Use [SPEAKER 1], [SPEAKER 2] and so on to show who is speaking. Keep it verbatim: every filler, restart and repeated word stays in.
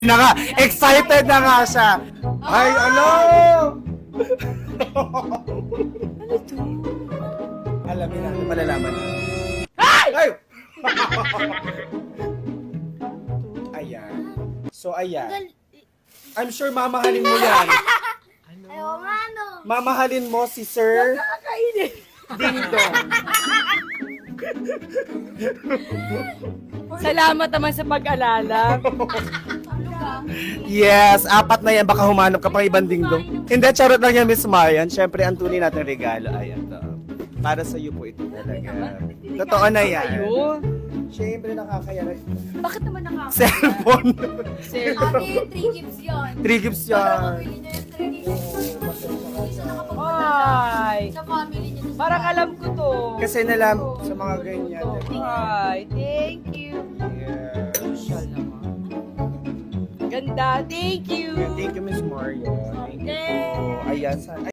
[SPEAKER 1] na nga, excited na nga siya. Ay, ano?
[SPEAKER 2] Ano to?
[SPEAKER 1] Alamin natin, malalaman na. Ay! Ayan. So, ayan. I'm sure mamahalin mo yan.
[SPEAKER 3] Ayaw nga, no.
[SPEAKER 1] Mamahalin mo si Sir
[SPEAKER 2] Kakainin.
[SPEAKER 1] Dingdong.
[SPEAKER 2] Salamat naman sa pag-alala.
[SPEAKER 1] Yes, apat na yan. Baka humanap ka pang ibang dingdong. Hindi, charot lang yan, Miss Marian. Siyempre, ang tunay natin regalo ay ito. Para sa iyo po ito talaga. Totoo na yan.
[SPEAKER 2] Ayun.
[SPEAKER 1] Siyempre, nakakaya na.
[SPEAKER 2] Bakit naman nakaka...
[SPEAKER 1] Cellphone.
[SPEAKER 3] Ate, three gifts yun.
[SPEAKER 1] Three gifts
[SPEAKER 3] Para
[SPEAKER 1] yan.
[SPEAKER 3] mabili niya yung three gifts. Hindi siya nakapagpunta
[SPEAKER 2] Ay.
[SPEAKER 3] sa family niya.
[SPEAKER 2] Parang alam ko to.
[SPEAKER 1] Kasi nalam sa mga ganyan.
[SPEAKER 2] Ay, thank you.
[SPEAKER 1] Yeah.
[SPEAKER 2] Social naman. Ganda, thank you.
[SPEAKER 1] Thank you, Miss Mario. Thank you.
[SPEAKER 2] Okay.
[SPEAKER 1] Ayan. sa-